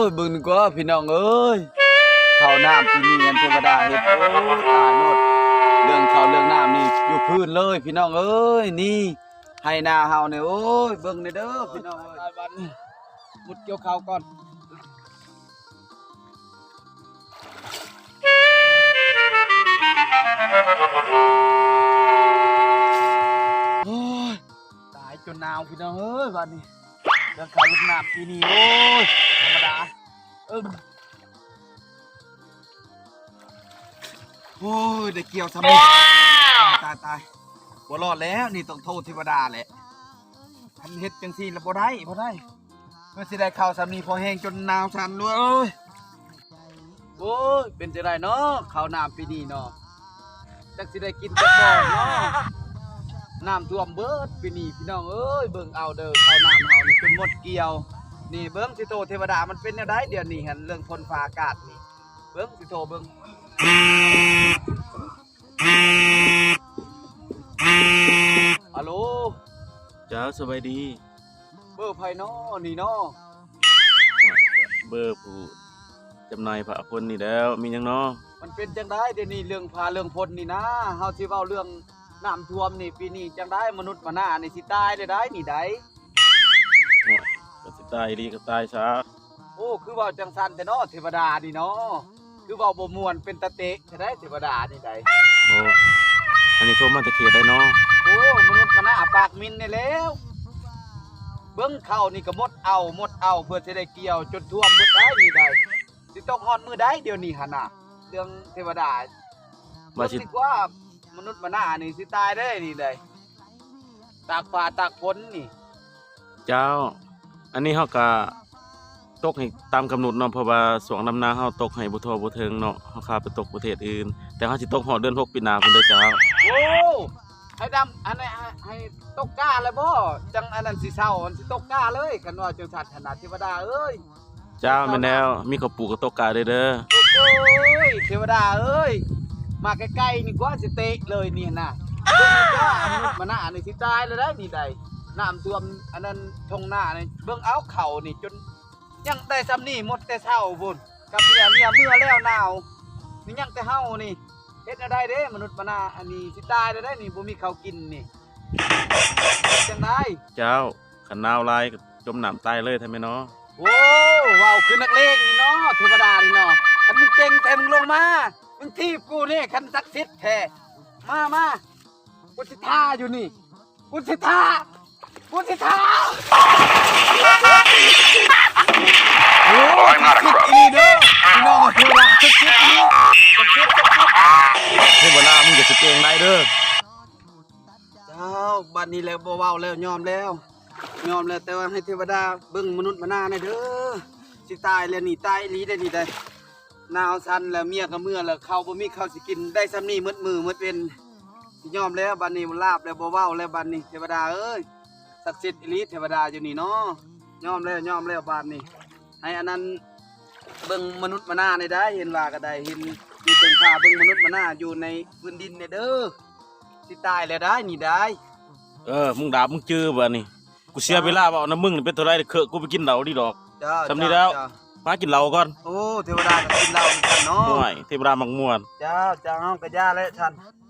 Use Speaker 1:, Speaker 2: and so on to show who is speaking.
Speaker 1: ยบึงก็พี่น้องเอ้ยข้าวน้ำที่นี่เทวดาเฮ็ดโอ้ตายหมดเรื่องข้าวเรื่องน้ำนี่อยู่พื้นเลยพี่น้องเอ้ยนี่ให้นาเฮาเนี่ยโอ้ยเบิ่งเด้อพี่น้องเอ้ยบัดนี้มุดเกี่ยวข้าวก่อนโอ้ยตายจนหนาวพี่น้องเอ้ยบัดนี้เรื่องข้าวเรื่องน้ำที่นี่โอ้ยธรรมดาโอ้ยได้เกี่ยวทำไมตายบ่รอดแล้วนี่ต้องโทษเทวดาแหละทันเฮ็ดจังซี่แล้วบ่ได้เพื่อสิได้ข้าวสามีพอแห้งจนหนาวสั่นด้วยโอ้ยเป็นจังไดเนาะข้าวน้ำปีนี้เนาะจักสิได้กินจักบ่เนาะน้ำท่วมเบิดปีนี้พี่น้องเอ้ยเบิ่งเอาเด้อข้าวน้ำเฮานี่จนหมดเกี่ยวนี่เบิ่งสิโตเทวดามันเป็นแนวใดเดี๋ยวนี้หั่นเรื่องฝนฟ้าอากาศนี่เบิ่งสิโตเบิ่งฮัลโหล
Speaker 2: จ้าสบายดี
Speaker 1: เบอร์ไผน้อนี่น้อ
Speaker 2: เบอร์ผู้จำหน่ายพระพลนี่แล้วมีหยังน้อ
Speaker 1: มันเป็นจังได๋เดี๋ยวนี้เรื่องพาเรื่องพลนี่นะเฮาสิเว้าเรื่องน้ำท่วมนี่ปีนี้จังได๋มนุษย์มนานี่สิตายได้นี่ได้
Speaker 2: ก็สิตายดีก็ตายซะ
Speaker 1: โอ้คือเว้าจังซั่นแต่น้อเทวดานี่เนาะคือเว้าบ่ม่วนเป็นตะเตะจะได้เทวดานี่ได้
Speaker 2: โอ้อันนี้โทรมาตะเคียนได้น้อ
Speaker 1: โอ้มนุษย์มนาปากมินนี่แล้วเบิ่งเข้านี่ก็หมดเอาเพื่อสิได้เกี่ยวจนท่วมเบิดได้นี่ได้สิตกฮอดมื้อใดเดี๋ยวนี้หั่นน่ะเรื่องเทวดา
Speaker 2: ว่าสิ
Speaker 1: ว่ามนุษย์มนานี่สิตายได้นี่ได้ตากฟ้าตากฝนนี่
Speaker 2: เจ้าอันนี้เฮาก็ตกให้ตามกำหนดเนาะเพราะว่าสวงนำนาเฮาตกให้บ่ทั่วบ่ถึงเนาะเฮาข้าไปตกประเทศอื่นแต่เฮาสิตกฮอดเดือน6ปีหน้าพุ่นเด้อเจ้า
Speaker 1: โอ้ให้ดำอันนี้ให้ตกกล้าเลยบ่จังอันนั้นสิเศร้าอันสิตกกล้าเลยคันว่าจังสัตว์ขนาดเทวดาเอ้ย
Speaker 2: เจ้าแม่นแล้วมีข้าวปลูกก็ตกกาเด้อ
Speaker 1: โอ้ยเทวดาเอ้ยมาใกล้ๆนี่กว่าสิเตะเลยนี่น่ะเบิ่งก็มนุษย์มนานี่สิตายเลยได้นี่ได้น้ำท่วมอันนั้นทงหน้านี่เบิ่งเอาเข่านี่จนยังได้ซ้ำนี่หมดแต่เช้าพุ่นกับเมียเมื่อแล้วหนาวนี่ยังแต่เฮานี่เฮ็ดได้เด้มนุษย์มนาอันนี้สิตายได้นี่บ่มีข้าวกินนี่จังได๋
Speaker 2: เจ้าคันหนาวหลายก็จมน้ำตายเลยแท้แม่เนาะ
Speaker 1: โอ้ว้าวคือนักเลงนี่เนาะเทวดานี่เนาะคันมึงเก่งแท้มึงลงมามึงทีบกูนี่คันศักดิ์สิทธิ์แท้มากูสิท่าอยู่นี่กูสิท่าโอ้ยมาคิดอีเด้อพี่น้องเทวดาคิดอี
Speaker 2: เทวดามึงก็สิเก่งได้เด้อ
Speaker 1: เจ้าบัดนี้แล้วบ่เว้าแล้วยอมแล้วแต่ว่าให้เทวดาเบิ่งมนุษย์มนาหน่อยเด้อสิตายแล้วนี่ตายอีหลีได้นี่ได้หนาวสั่นแล้วเมียก็เมื่อแล้วข้าวบ่มีข้าวสิกินได้ซ้ำนี้มืดมือมืดเว้นสิยอมแล้วบัดนี้มันลาบแล้วบ่เว้าแล้วบัดนี้เทวดาเอ้ยศักดิ์สิทธิ์อีหลีเทวดาอยู่นี่เนาะยอมแล้วบัดนี้ให้อันนั้นเบิ่งมนุษย์มนาได้เห็นว่าก็ได้เห็นอยู่ตรงฟ้าเบิ่งมนุษย์มนาอยู่ในพื้นดินเนี่ยเด้อสิตายแล้วได้นี่ได้
Speaker 2: มึงด่ามึงจื้อบ่นี่กูเสียเวลาบ่เอาน้ำมึงนี่เป็นเท่าไรเคอะกูไปกินเหล้าดิดอกทำนี่แล้วมากินเหล้าก่อน
Speaker 1: โอ้เทวดาก็กินเหล้ากันเนาะ
Speaker 2: ม่วยเทวดามักม่วน
Speaker 1: เจ้าเฮาก็ย่าแล้วท่าน